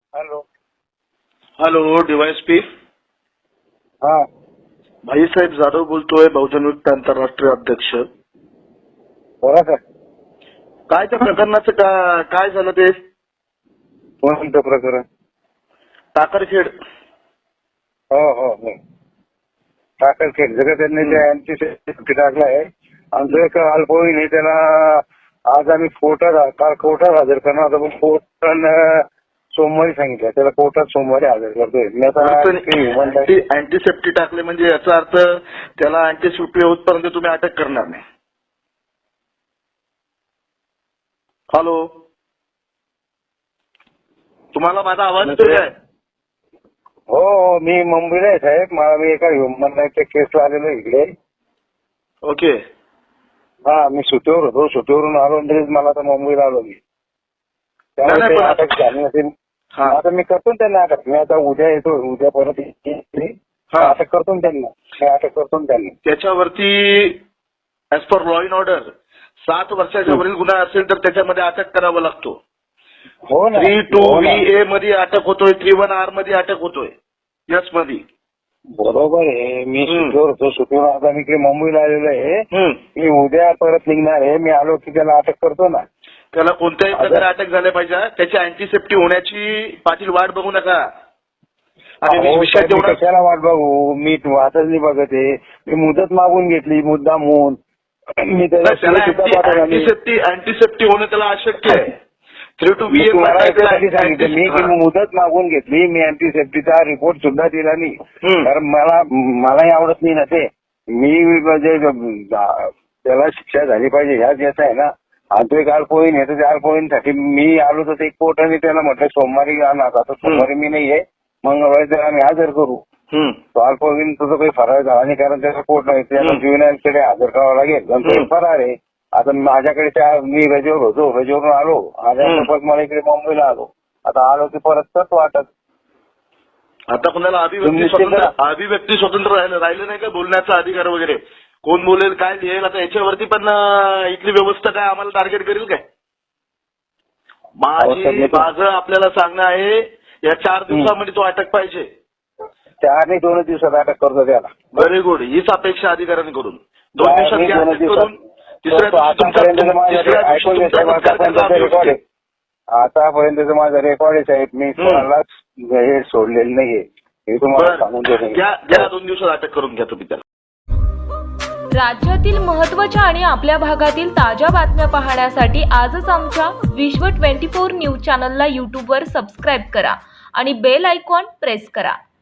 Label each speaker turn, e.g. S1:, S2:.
S1: Hello.
S2: Hello DySP.
S1: हा
S2: भाईसाहेब जाधव बोलतोय, बहुजन मुक्त आंतरराष्ट्रीय अध्यक्ष.
S1: बोला सर.
S2: काय त्या प्रकरणाचं काय झालं ते?
S1: कोणतं प्रकरण?
S2: टाकरखेड.
S1: हो हो हो. टाकरखेड जगह त्यांनी ते अँटी टाकलाय. आमचं एक अल्पवयीन आहे, त्याला आज आम्ही काल कोर्टात हजर करणार होतो, पण कोर्टानं सोमवारी सांगितलं. त्याला कोर्टात सोमवारी हजर करतोय. मी आता
S2: अँटीसेप्टी टाकले म्हणजे याचा अर्थ त्याला अँटीसेप्टी होतपर्यंत तुम्ही अटक करणार नाही. हॅलो, तुम्हाला माझा आवाज येतोय काय?
S1: हो हो. मी मुंबईला आहे साहेब. मी एका ह्युमन राईटच्या केसला आलेलो इकडे.
S2: ओके.
S1: हा, मी सुट्टीवर होतो. सुट्टीवरून आलो लगेच मला आता मुंबईला आलो मी. त्यामुळे ते अटक झाली नसेल. आता मी करतो त्यांना अटक. मी आता उद्या येतो. उद्या परत अटक करतो त्यांना. अटक करतो त्यांना.
S2: त्याच्यावरती as per law in order 7 वर्षाच्या वरील गुन्हा असेल तर त्याच्यामध्ये अटक करावा लागतो.
S1: हो ना.
S2: 32VA मध्ये अटक होतोय, 31R मध्ये अटक होतोय, यस मध्ये.
S1: बरोबर आहे. मी सुट्टीवर होतो. सुट्टीवर आता मी इकडे मुंबईला आलेलो आहे. मी उद्या परत निघणार आहे. मी आलो की त्याला अटक करतो ना.
S2: त्याला कोणत्याही प्रकारे अटक झाल्या पाहिजे. त्याची अँटीसेप्टी होण्याची पाटील वाट बघू नका.
S1: कशाला वाट बघू? मी वाटच नाही बघत आहे. मी मुदत मागून घेतली मुद्दामून. मी त्याला
S2: अँटीसेप्टी होणं त्याला अशक्य आहे.
S1: 32VA सांगितलं मी मुदत मागून घेतली. मी अँटीसेप्टीचा रिपोर्ट सुद्धा दिला नाही, कारण मलाही आवडत नाही ना ते. मी म्हणजे त्याला शिक्षा झाली पाहिजे ह्याच याचा आहे ना. आणि तो एक अल्पवयीन आहे, तर त्या अल्पवयीनसाठी मी आलो तर ते कोर्टाने त्याला म्हटलं सोमवारी आणा. आता सोमवारी मी नाहीये, मंगळवारी त्याला आम्ही हजर करू. तो अल्पवयीन तुझं काही फरार झाला नाही, कारण त्याचा कोर्ट नाही. त्याला ज्युव्हेनाईलकडे हजर करावं लागेल. तो फरार आहे. आता माझ्याकडे मी रजेवर होतो. रजेवरून आलो. परत मला इकडे मुंबईला आलो. आता आलो की परत करतो अटक.
S2: आता कोणाला अभिव्यक्ती स्वातंत्र्य राहिलं नाही का? बोलण्याचा अधिकार वगैरे कोण बोलेल, काय लिहेल, आता याच्यावरती पण इथली व्यवस्था काय आम्हाला टार्गेट करेल काय? माझं आपल्याला सांगणं आहे, या 4 दिवसामध्ये तो अटक पाहिजे.
S1: 4 नाही 2 दिवसात अटक करतो त्याला.
S2: Very good. हीच अपेक्षा अधिकाऱ्यांकडून. 2 दिवसात करून
S1: आतापर्यंत माझा रेकॉर्ड आहे साहेब. मी कोणालाच हे सोडलेलं नाहीये. हे तुम्हाला सांगून देतो.
S2: 2 दिवसात अटक करून घ्या तुम्ही त्याला.
S3: राज्यातील महत्त्वाच्या आणि आपल्या भागातील ताज्या बातम्या पाहण्यासाठी आजच आमच्या विश्व 24 न्यूज चॅनलला यूट्यूबवर सबस्क्राईब करा आणि बेल आयकॉन प्रेस करा.